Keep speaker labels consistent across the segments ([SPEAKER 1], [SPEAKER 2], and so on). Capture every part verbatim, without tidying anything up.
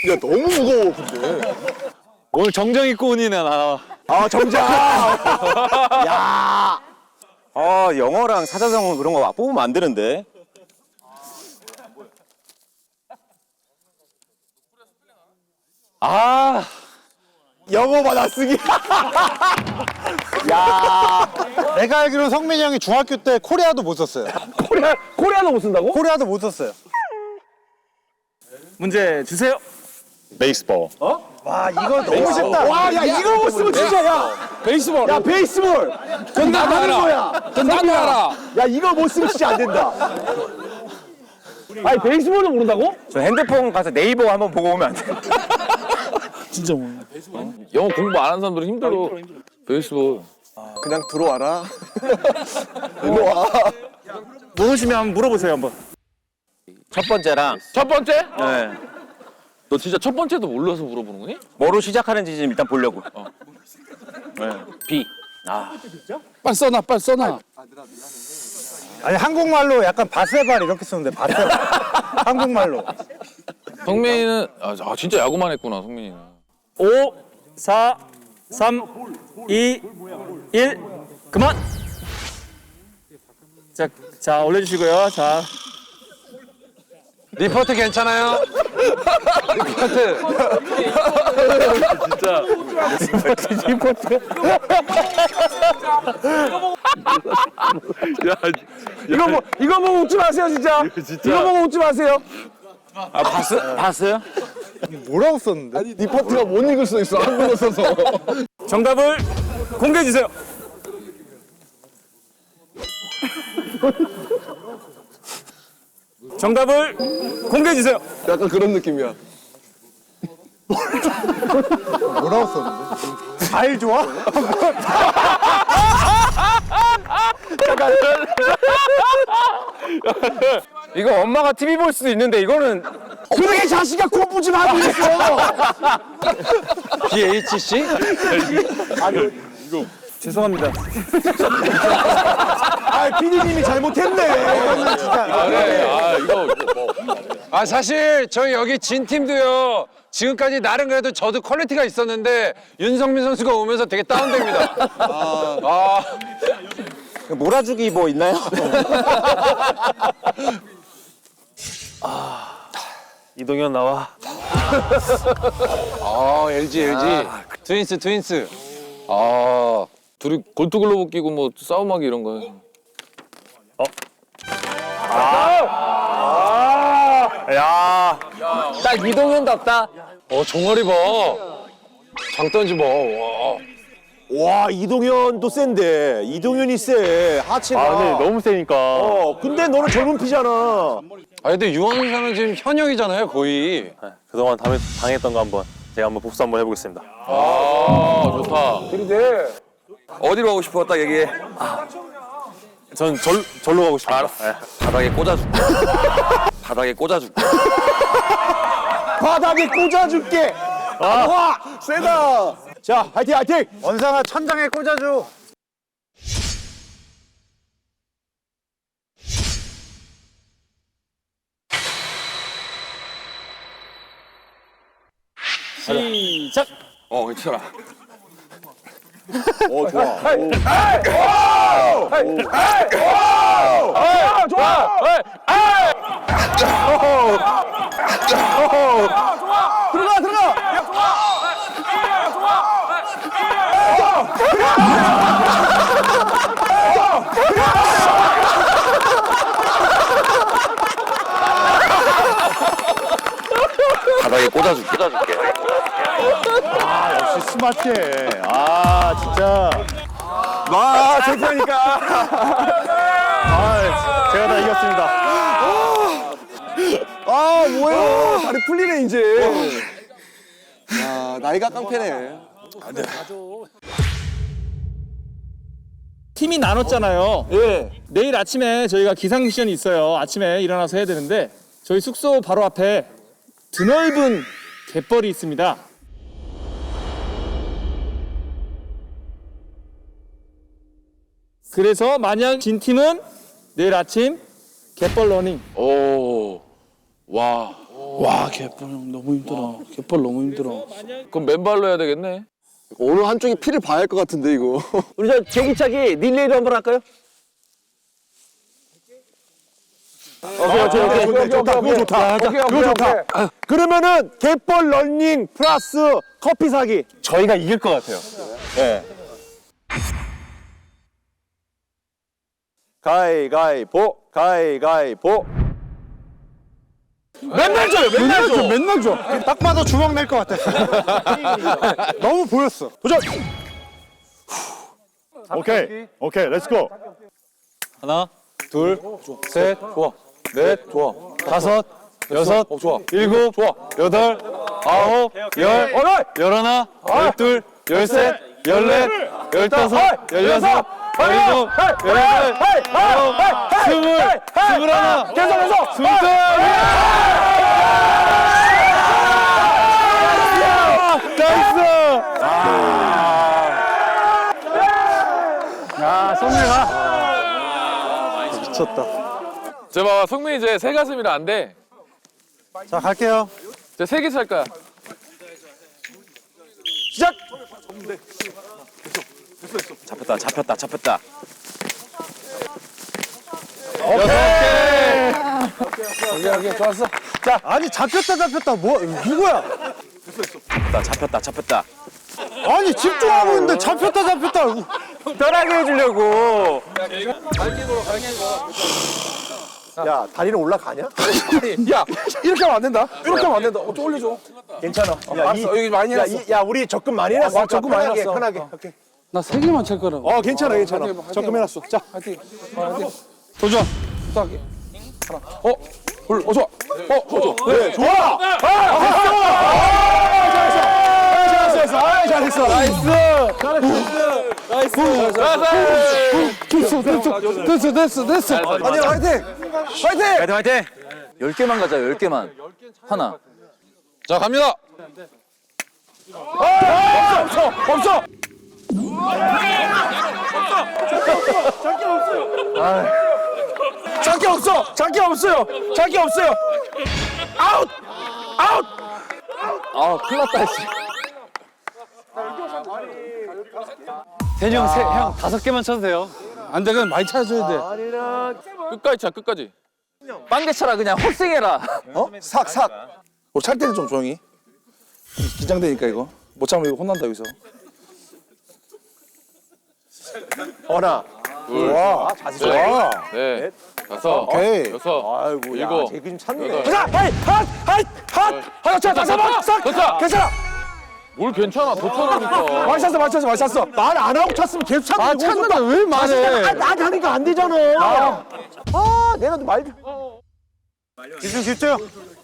[SPEAKER 1] 야 너무 무거워 근데.
[SPEAKER 2] 오늘 정장 입고 오니네 나.
[SPEAKER 1] 아 정장. 야.
[SPEAKER 3] 아 영어랑 사자성어 그런 거 뽑으면 안 되는데.
[SPEAKER 2] 아.
[SPEAKER 1] 영어 받아쓰기.
[SPEAKER 4] 야. 내가 알기로는 성민이 형이 중학교 때 코리아도 못 썼어요.
[SPEAKER 1] 코리아 코리아도 못 쓴다고?
[SPEAKER 4] 코리아도 못 썼어요.
[SPEAKER 5] 문제 주세요.
[SPEAKER 2] 베이스볼.
[SPEAKER 4] 와 이거 너무 쉽다.
[SPEAKER 1] 와, 야 이거 못 쓰면 진짜 야.
[SPEAKER 2] 베이스볼.
[SPEAKER 1] 야 베이스볼.
[SPEAKER 2] 그건 나도
[SPEAKER 1] 하는
[SPEAKER 2] 알아.
[SPEAKER 1] 거야.
[SPEAKER 2] 그건 나도 알아.
[SPEAKER 1] 야 이거 못 쓰면 진짜 안 된다. 아니 베이스볼도 모른다고?
[SPEAKER 3] 저 핸드폰 가서 네이버 한번 보고 오면 안 돼?
[SPEAKER 5] 진짜 뭐.
[SPEAKER 2] 영어 공부 안 하는 사람들은 힘들어. 베이스볼.
[SPEAKER 1] 그냥 들어와라. 일로 와.
[SPEAKER 5] 모르시면 한번 물어보세요 한번.
[SPEAKER 3] 첫 번째랑
[SPEAKER 2] 첫 번째?
[SPEAKER 3] 네.
[SPEAKER 2] 너 진짜 첫 번째도 몰라서 물어보는 거니?
[SPEAKER 3] 뭐로 시작하는지 좀 일단 보려고. 어.
[SPEAKER 2] B.
[SPEAKER 5] 빨리 써놔 빨리 써놔.
[SPEAKER 4] 아니 한국말로 약간 바세발 이렇게 쓰는데 바세발. 한국말로.
[SPEAKER 2] 성민이는 아, 아 진짜 야구만 했구나 성민이는.
[SPEAKER 5] 오, 사, 삼, 이, 일. 그만. 자, 자 올려주시고요. 자.
[SPEAKER 2] 리포트 괜찮아요? 리포트. 진짜. 리포트. 야,
[SPEAKER 1] 이거 뭐 이거 보고 웃지 마세요 진짜. 이거 보고 웃지 마세요.
[SPEAKER 2] 아 봤어? 봤어요?
[SPEAKER 4] 뭐라고 썼는데?
[SPEAKER 1] 아니 리포트가 못 읽을 수 있어 한국어 써서.
[SPEAKER 5] 정답을 공개해 주세요. 정답을 공개해 주세요.
[SPEAKER 1] 약간 그런 느낌이야.
[SPEAKER 4] 뭐라고 썼는데? 잘 좋아?
[SPEAKER 3] 이거 엄마가 티비 볼 수도 있는데 이거는
[SPEAKER 1] 그러게 자식아 공부 좀 하고 있어.
[SPEAKER 2] 비 에이치 씨?
[SPEAKER 5] 죄송합니다.
[SPEAKER 1] 아 피디님이 잘못했네.
[SPEAKER 2] 아, 그래. 아 이거 뭐.
[SPEAKER 6] 아 사실 저희 여기 진 팀도요 지금까지 나름 그래도 저도 퀄리티가 있었는데 윤성민 선수가 오면서 되게 다운됩니다. 아,
[SPEAKER 3] 몰아주기 뭐 있나요?
[SPEAKER 5] 이동현 나와.
[SPEAKER 6] 아 엘지 엘지 트윈스 트윈스.
[SPEAKER 2] 아 둘이 골투글로브 끼고 뭐 싸움하기 이런 거.
[SPEAKER 5] 야.
[SPEAKER 2] 딱 이동현답다.
[SPEAKER 6] 어 종아리 봐. 장단지 봐. 와.
[SPEAKER 1] 와 이동현도 센데 이동현이 세 하체가.
[SPEAKER 5] 아 근데 너무 세니까.
[SPEAKER 1] 어 근데 너는 젊은 피잖아.
[SPEAKER 6] 아 근데 유한 선수는 지금 현역이잖아요 거의.
[SPEAKER 5] 그동안 당했, 당했던 거 한번 제가 한번 복수 한번 해보겠습니다.
[SPEAKER 2] 아 좋다.
[SPEAKER 3] 어디로 가고 싶어? 딱 얘기해.
[SPEAKER 5] 전 절, 절로 가고 싶어요. 알았어.
[SPEAKER 3] 바닥에 꽂아줄게. 바닥에 꽂아줄게.
[SPEAKER 1] 바닥에 꽂아줄게. 와 세다. 자 화이팅 화이팅.
[SPEAKER 4] 원상아 천장에 꽂아줘.
[SPEAKER 5] 시작.
[SPEAKER 3] 어 괜찮아.
[SPEAKER 1] 어 좋아.
[SPEAKER 2] 아 좋아.
[SPEAKER 1] 들어가 들어가.
[SPEAKER 3] 바닥에 꽂아줄게. 꽂아줄게.
[SPEAKER 4] 역시 스마트해. 아 진짜.
[SPEAKER 1] 와 좋다니까.
[SPEAKER 4] 아 제가 다 이겼습니다.
[SPEAKER 1] 아 뭐야 다리 풀리네 이제. 야 나이가 깡패네.
[SPEAKER 5] 팀이 나눴잖아요.
[SPEAKER 1] 예.
[SPEAKER 5] 내일 아침에 저희가 기상 미션이 있어요. 아침에 일어나서 해야 되는데 저희 숙소 바로 앞에 드넓은 갯벌이 있습니다. 그래서 만약 진 팀은 내일 아침 갯벌 러닝.
[SPEAKER 2] 오. 와.
[SPEAKER 7] 와 갯벌 형 너무 힘들어. 갯벌 너무 힘들어.
[SPEAKER 2] 그럼 맨발로 해야 되겠네.
[SPEAKER 1] 어느 한쪽이 피를 봐야 할 것 같은데 이거.
[SPEAKER 3] 우리 저 제기차기 릴레이로 한번 할까요?
[SPEAKER 4] 오케이, 오케이, 오케이, 오케이, 좋다, 그거 좋다. 그거 좋다. 그러면은 갯벌 런닝 플러스 커피 사기.
[SPEAKER 3] 저희가 이길 것 같아요. 네. 가위가위보, 가위가위보.
[SPEAKER 4] 맨날 줘요, 맨날 줘, 맨날 줘. 딱 봐도 주먹 낼 것 같았어. 너무 보였어. 도전. 오케이, 오케이, 렛츠 고.
[SPEAKER 3] 하나, 둘, 셋, 좋아. 넷, 좋아. 다섯, 여섯,
[SPEAKER 2] 어, 좋아.
[SPEAKER 3] 일곱, 좋아. 여덟, 아홉, 열, 열하나, 열둘, 열셋, 열넷, 열다섯, 열여섯, 열일곱, 열여덟, 열아홉, 스물, 스물하나, 계속해서 스물둘. 나이스!
[SPEAKER 4] 야, 성민아. 미쳤다.
[SPEAKER 2] 저 봐봐, 성민이 이제 새 가슴이라 안 돼.
[SPEAKER 4] 자, 갈게요.
[SPEAKER 2] 이제 세 개 찰 거야.
[SPEAKER 4] 시작!
[SPEAKER 3] 잡혔다, 잡혔다, 잡혔다.
[SPEAKER 4] 자, 아니, 잡혔다, 잡혔다. 뭐, 누구야?
[SPEAKER 3] 잡혔다, 잡혔다, 잡혔다.
[SPEAKER 4] 아니, 집중하고 있는데 잡혔다, 잡혔다.
[SPEAKER 3] 편하게 해주려고.
[SPEAKER 1] 야 다리는 올라가냐? 야 이렇게 하면 안 된다. 이렇게 하면 안 된다. 어, 좀 올려줘.
[SPEAKER 4] 괜찮아.
[SPEAKER 1] 야, 알았어. 여기 많이 해놨어.
[SPEAKER 4] 야, 이, 야, 우리 적금 많이 해놨어.
[SPEAKER 1] 아, 적금 많이 해놨어.
[SPEAKER 4] 편하게. 오케이.
[SPEAKER 7] 나 세 개만 찰 거라고.
[SPEAKER 4] 어, 괜찮아, 괜찮아. 적금 해놨어. 자,
[SPEAKER 7] 도전.
[SPEAKER 2] 어, 불, 어, 좋아. 어, 어, 좋아.
[SPEAKER 4] 네, 좋아. 아, 됐어. 잘했어, 잘했어. 아, 잘했어. 나이스.
[SPEAKER 2] 나이스.
[SPEAKER 7] 됐어, 됐어, 됐어, 됐어, 됐어.
[SPEAKER 1] 아니야 화이팅. 화이팅.
[SPEAKER 3] 화이팅, 화이팅!
[SPEAKER 2] 열 개만 가자, 열 개만. 하나. 자, 갑니다.
[SPEAKER 4] 없어, 없어. 장기 없어. 장기 없어요. 장기 없어요. 아웃. 아웃.
[SPEAKER 2] 아, 큰일 났다, 씨.
[SPEAKER 3] 대니 형, 세, 형 다섯 개만 쳐도 돼요.
[SPEAKER 7] 안 돼, 그냥 많이 찾아줘야 돼.
[SPEAKER 2] 끝까지 차, 끝까지.
[SPEAKER 3] 빵개 쳐라, 그냥 헛생해라.
[SPEAKER 1] 어? 삭 삭.
[SPEAKER 7] 우리 찰 때는 좀 조용히. 긴장되니까 이거. 못 참으면 이거 혼난다 여기서.
[SPEAKER 4] 어나.
[SPEAKER 2] 둘,
[SPEAKER 4] 와,
[SPEAKER 2] 셋,
[SPEAKER 4] 좋아.
[SPEAKER 2] 넷, 다섯,
[SPEAKER 4] 오케이.
[SPEAKER 2] 여섯,
[SPEAKER 4] 아이고, 야,
[SPEAKER 2] 일곱,
[SPEAKER 4] 쟤 좀 참네.
[SPEAKER 2] 여덟.
[SPEAKER 4] 가자, 하이, 핫, 하이, 핫. 하나, 차, 다섯 번, 싹.
[SPEAKER 2] 됐다.
[SPEAKER 4] 괜찮아.
[SPEAKER 2] 뭘 괜찮아, 더 쳐라니까.
[SPEAKER 4] 많이 찼어, 많이 찼어, 많이 찼어. 말 안 하고 찼으면 계속 찼는데.
[SPEAKER 7] 아, 찾는데 왜 말해?
[SPEAKER 4] 아, 나한테 하니까 안 되잖아. 아, 내가 말. 집중, 집중.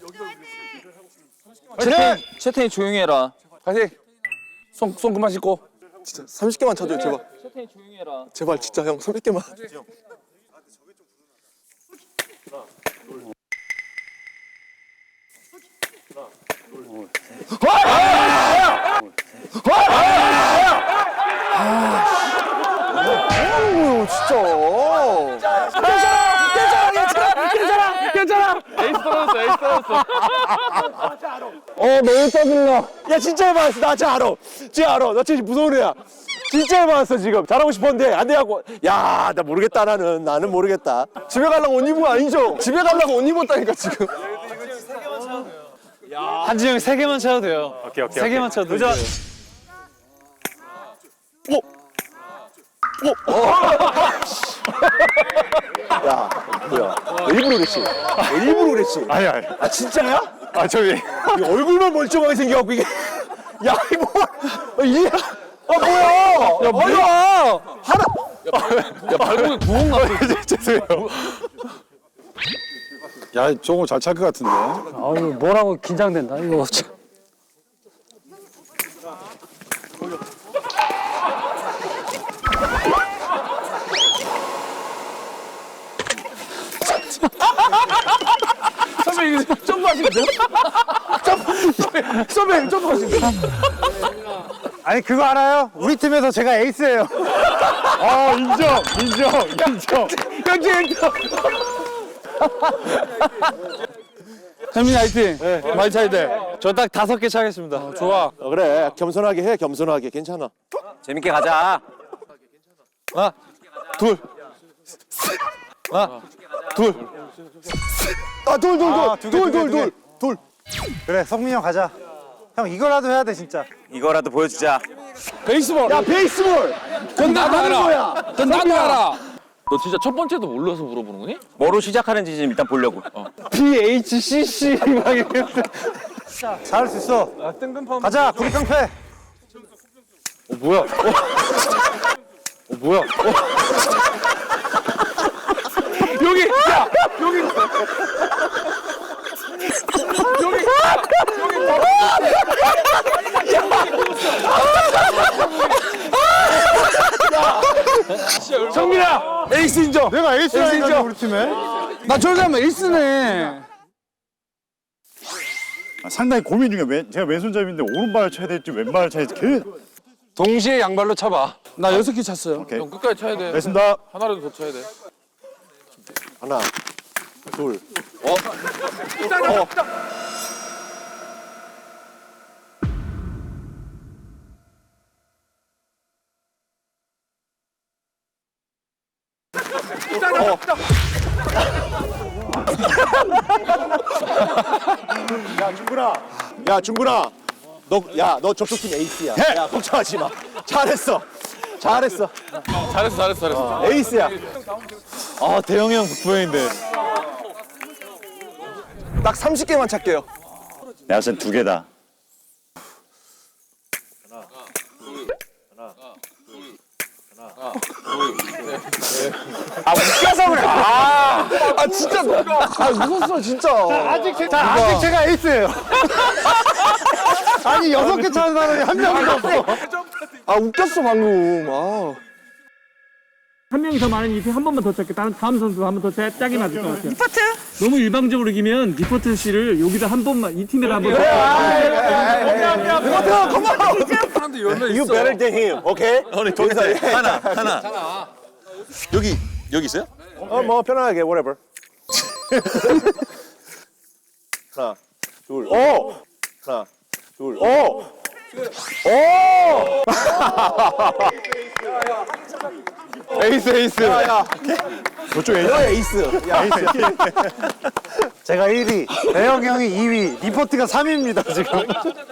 [SPEAKER 3] 채팅, 채팅이 조용히 해라.
[SPEAKER 7] 파이팅. 손, 손 그만 씻고.
[SPEAKER 1] 진짜 삼십 개만 쳐줘요 제발.
[SPEAKER 3] 채팅이 조용히 해라.
[SPEAKER 1] 제발 진짜 형 삼십 개만. 아우 진짜.
[SPEAKER 2] 에이스 떨어졌어, 에이스 떨어졌어.
[SPEAKER 4] 어, 너무 떠들라. 야, 진짜 해봤어. 나 진짜 알아. 진짜 알아. 나 진짜 무서운 애야. 진짜 해봤어, 지금. 잘하고 싶었는데, 안 돼갖고. 야, 나 모르겠다, 나는. 나는 모르겠다.
[SPEAKER 1] 집에 가려고 옷 입은 거 아니죠? 집에 가려고 옷 입었다니까 지금.
[SPEAKER 3] 한지 형이 세 개만 쳐도 돼요.
[SPEAKER 4] 오케이, 오케이.
[SPEAKER 3] 세 개만 쳐도 돼요.
[SPEAKER 1] 야 뭐야? 일부러 그랬지? 일부러 그랬지?
[SPEAKER 4] 아니, 아니.
[SPEAKER 1] 아 진짜야?
[SPEAKER 4] 아, 저기.
[SPEAKER 1] 이 얼굴만 멀쩡하게 생겨갖고 이게. 야 이거 이게. 아 뭐야? 야 뭐야? 하나.
[SPEAKER 2] 야, 발목에 구멍 났어.
[SPEAKER 4] 죄송해요. 야, 저거 잘 찰 것 같은데.
[SPEAKER 7] 아유, 뭐라고 긴장된다, 이거.
[SPEAKER 1] 선배 이거 점프 하시는데요? 점프. 선배 점프 하시는데요?
[SPEAKER 4] 아니, 그거 알아요? 우리 팀에서 제가 에이스예요. 어, 인정, 인정, 인정.
[SPEAKER 1] 형제 인정.
[SPEAKER 5] 현민 화이팅. 많이 차야 돼.
[SPEAKER 2] 저 딱 다섯 개 차겠습니다.
[SPEAKER 5] 좋아.
[SPEAKER 4] 어, 그래 겸손하게 해 겸손하게 괜찮아.
[SPEAKER 3] 재밌게 가자.
[SPEAKER 2] 하나, 둘, 하나, 둘.
[SPEAKER 4] 아돌돌돌돌돌돌돌
[SPEAKER 8] 그래 성민이 형 가자. 형 이거라도 해야 돼 진짜.
[SPEAKER 3] 이거라도 보여주자.
[SPEAKER 2] 베이스볼.
[SPEAKER 4] 야 베이스볼.
[SPEAKER 2] 그건 나도
[SPEAKER 4] 하는
[SPEAKER 2] 알아.
[SPEAKER 4] 거야.
[SPEAKER 2] 그건 나도 알아. 너 진짜 첫 번째도 몰라서 물어보는 거니?
[SPEAKER 3] 뭐로 시작하는지 좀 일단 보려고.
[SPEAKER 4] 비 에이치 씨 씨 막 이렇게.
[SPEAKER 8] 잘할 수 있어. 가자 구리 깡패.
[SPEAKER 2] 어 뭐야? 어, 어 뭐야? 어. 여기 야 여기 여기
[SPEAKER 1] 정민아 에이스 인정.
[SPEAKER 8] 내가 에이스라니까 우리 팀에.
[SPEAKER 5] 나 저기 하면 에이스네.
[SPEAKER 9] 아, 상당히 고민 중이야. 왼, 제가 왼손잡이인데 오른발을 쳐야 될지 왼발을 쳐야 될지 계속.
[SPEAKER 6] 동시에 양발로 쳐봐.
[SPEAKER 5] 나 여섯 개 찼어요.
[SPEAKER 9] 오케이.
[SPEAKER 2] 형 끝까지 쳐야 돼.
[SPEAKER 9] 됐습니다.
[SPEAKER 2] 하나라도 더 쳐야 돼.
[SPEAKER 4] 하나 둘. 야 중근아, 야 중근아, 너 야 너 저쪽팀 에이스야. 야 걱정하지 마. 잘했어, 잘했어.
[SPEAKER 2] 잘했어 잘했어 잘했어.
[SPEAKER 4] 에이스야.
[SPEAKER 1] 아 대형이 형 북부형인데. 딱 삼십 개만 찾게요.
[SPEAKER 9] 내가 봤을 땐두 개다.
[SPEAKER 1] 아 웃겨서 그래. 아, 아 진짜. 아 웃었어 진짜.
[SPEAKER 8] 아직 제, 자 아직 제가 에이스예요. 아니 여섯 개 차는 사람이 한 명도 없어.
[SPEAKER 1] 아 웃겼어 방금. 아.
[SPEAKER 10] 한 명이 더 많은 이팀 한 번만 더 짧게 다른 다음 선수 한 번 더 짜게 맞을 것 같아요. 리포트? 너무 일방적으로 이기면 리포트 씨를 여기다 한 번만 이 팀에다 한 번.
[SPEAKER 4] You better than him, okay?
[SPEAKER 7] 우리 거기서 하나 하나. 여기 여기 있어요?
[SPEAKER 4] 어뭐 편안하게 whatever. 하나, 둘, 오, 하나, 둘, 오, 오.
[SPEAKER 1] 에이스 에이스.
[SPEAKER 4] 야,
[SPEAKER 9] 저쪽 에이스.
[SPEAKER 4] 너 에이스. 야, 에이스.
[SPEAKER 8] 제가 일 위, 대형 형이 이 위, 리포트가 삼 위입니다 지금.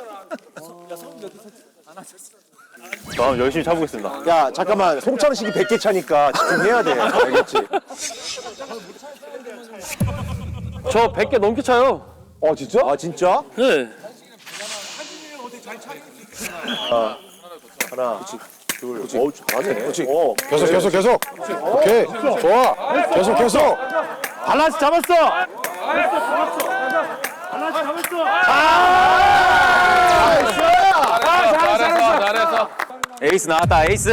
[SPEAKER 9] 다음 열심히 차보겠습니다.
[SPEAKER 4] 야 잠깐만 송창식이 백 개 차니까 집중해야 돼. 알겠지?
[SPEAKER 2] 저 백 개 넘게 차요.
[SPEAKER 4] 어 진짜? 아 진짜?
[SPEAKER 2] 네.
[SPEAKER 4] 하나, 둘, 어우 잘하네. 그렇지. 어,
[SPEAKER 1] 계속 계속 계속. 오케이. 좋아. 계속 계속.
[SPEAKER 4] 밸런스 잡았어.
[SPEAKER 2] 잘했어 잘했어.
[SPEAKER 3] 에이스 나왔다. 에이스.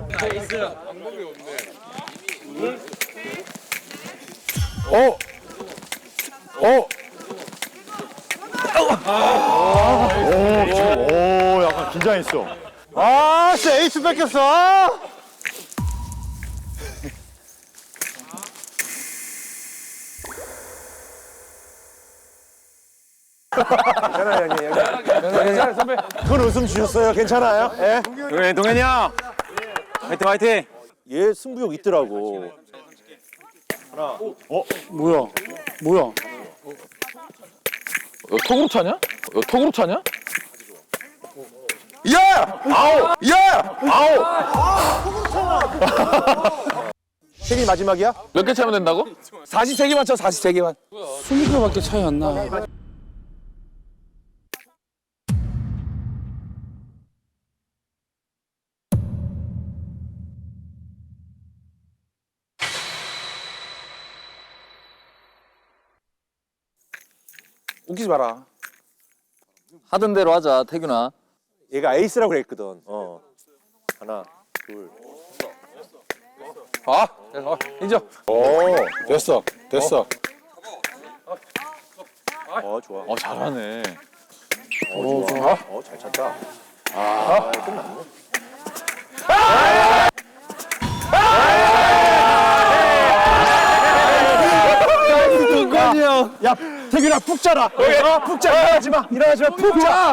[SPEAKER 1] 어. 어.
[SPEAKER 9] 오 약간 긴장했어.
[SPEAKER 8] 아 진짜 에이스 뺏겼어. 아!
[SPEAKER 4] 괜찮아요 형님. 괜찮아요 선배. 큰 웃음 주셨어요. 괜찮아요? 예?
[SPEAKER 3] 동현이 동현이 형. 화이팅 화이팅.
[SPEAKER 4] 얘 승부욕 있더라고.
[SPEAKER 5] 뭐야? 뭐야?
[SPEAKER 2] 너 톡으로 차냐? 너 톡으로 차냐?
[SPEAKER 1] 야! 아우! 야! 아우!
[SPEAKER 4] 생일 마지막이야?
[SPEAKER 2] 몇 개 차면 된다고?
[SPEAKER 1] 사십세 개만 쳐. 사십세 개만.
[SPEAKER 5] 스무 개밖에 차이 안 나.
[SPEAKER 1] 웃기지 마라.
[SPEAKER 2] 하던 대로 하자 태균아.
[SPEAKER 4] 얘가 에이스라고 그랬거든. 어. 하나, 둘.
[SPEAKER 2] 아 어, 인정.
[SPEAKER 1] 오, 됐어. 됐어.
[SPEAKER 4] 어 좋아.
[SPEAKER 2] 어 잘하네.
[SPEAKER 4] 어 좋아. 어 잘 찼다. 아 끝났네.
[SPEAKER 8] 야
[SPEAKER 4] 태균아 푹 자라. 어, 푹 자. 일어나지 마. 일어나지 마. 푹 자.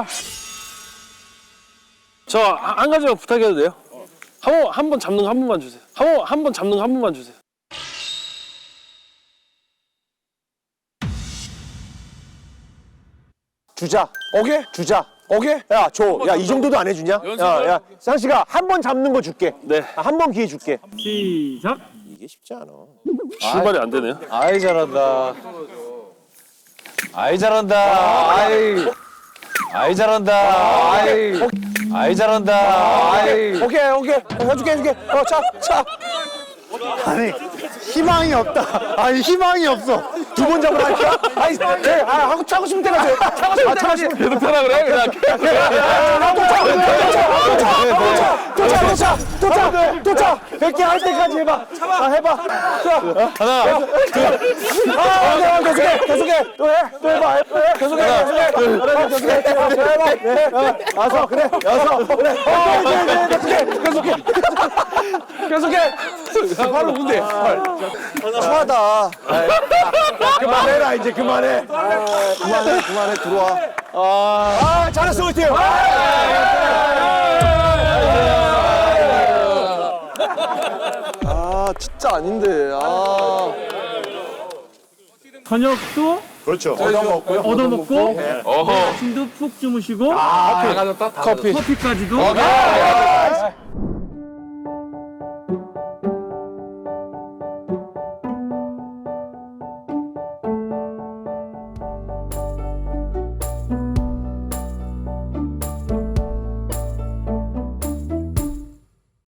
[SPEAKER 10] 저 한 가지만 부탁해도 돼요? 한 번 한 번 잡는 거 한 번만 주세요. 한 번 한 번 잡는 거 한 번만 주세요.
[SPEAKER 4] 주자. 오케이? 주자. 오케이? 야, 줘. 야, 이 정도도 안 해주냐? 야, 야, 상씨가 한 번 잡는 거 줄게.
[SPEAKER 10] 네.
[SPEAKER 4] 한 번 기회 줄게.
[SPEAKER 10] 시작.
[SPEAKER 4] 이게 쉽지 않아.
[SPEAKER 10] 출발이 안 되네요.
[SPEAKER 3] 아이 잘한다. 아이 잘한다. 아이. 아이 잘한다. 아이. 아이 잘한다. 아이.
[SPEAKER 4] 오케이, 오케이. 해줄게, 해줄게. 어, 차, 차.
[SPEAKER 8] 아니 희망이 없다. 아니 희망이 없어.
[SPEAKER 4] 두 번 잡으러 할게요. 아니, 네, 아, 하고 차고 싶을 때까지. 차고 싶을 때까지.
[SPEAKER 2] 계속 타라 그래 그냥.
[SPEAKER 4] 도착, 도착, 도착, 도착. 백 개 할 때까지 해봐. 아, 해봐. 하나, 둘. 아, 계속해, 계속해. 또 해, 또 해봐. 계속해, 계속해. 계속해, 계속해. 해봐. 네, 여섯, 그래. 여섯, 그래. 어, 이제, 이제, 계속해, 계속해. 계속해. 바로 문제. 추하다. 그만해라, 이제 그만해. 그만해, 그만해, 들어와. 아, 잘했어, 우리 팀.
[SPEAKER 1] 아 진짜 아닌데. 아.
[SPEAKER 10] 저녁도
[SPEAKER 9] 그렇죠.
[SPEAKER 10] 얻어먹고
[SPEAKER 2] 어허.
[SPEAKER 10] 아침도 푹 주무시고
[SPEAKER 2] 다 가졌다. 다
[SPEAKER 10] 커피까지도
[SPEAKER 2] 가졌다.